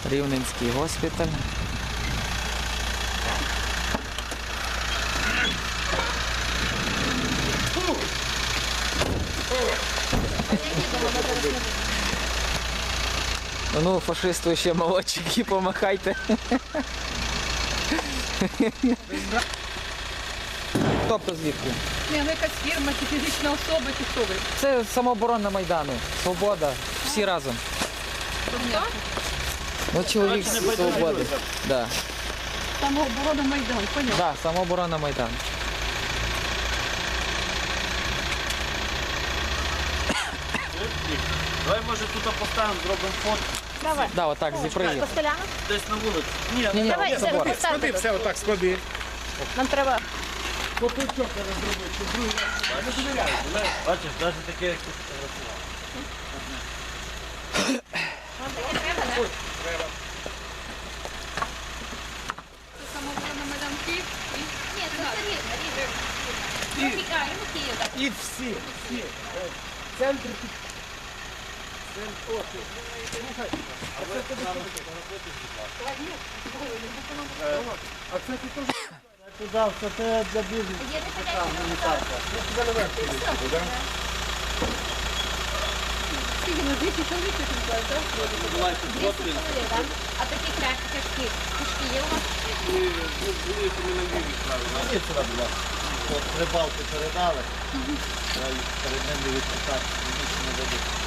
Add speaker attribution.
Speaker 1: Рівненський госпіталь. Ну, фашисту ще молодчики, помахайте. Тобто звідки?
Speaker 2: Ні, ну якась фірма, чи фізична особа, чи хто ви?
Speaker 1: Це самооборона Майдану. Свобода. Всі разом. Ну, чоловік з свободи. Да.
Speaker 2: Самооборона Майдан, понятно.
Speaker 1: Да, самооборона Майдану.
Speaker 3: Давай, може, тут поставимо, зробимо фото.
Speaker 4: Давай.
Speaker 1: Да, отак, зі проїзду.
Speaker 4: Постоляно?
Speaker 3: Десь на вулиці. Ні,
Speaker 1: Ні,
Speaker 4: Давай,
Speaker 1: ні, забор.
Speaker 4: поставте.
Speaker 5: Все отак склади.
Speaker 4: Нам треба.
Speaker 3: бачиш, навіть таке, як ти фотографував.
Speaker 2: Це самооборона Майдан Київ.
Speaker 4: Ні, це рівно, рівно. Київ, так.
Speaker 5: І всі. Центр. А це ти теж.
Speaker 3: Туди, все це для бізнесу.
Speaker 4: Є
Speaker 2: Скільки на 200 чоловік ви тут так?
Speaker 4: так? А такі крепкі кишки. Кишки є у вас?
Speaker 3: Ні, сюди, будь ласка. От рибалки передали. Треба їх перед ними відпитати, більше не дадуть.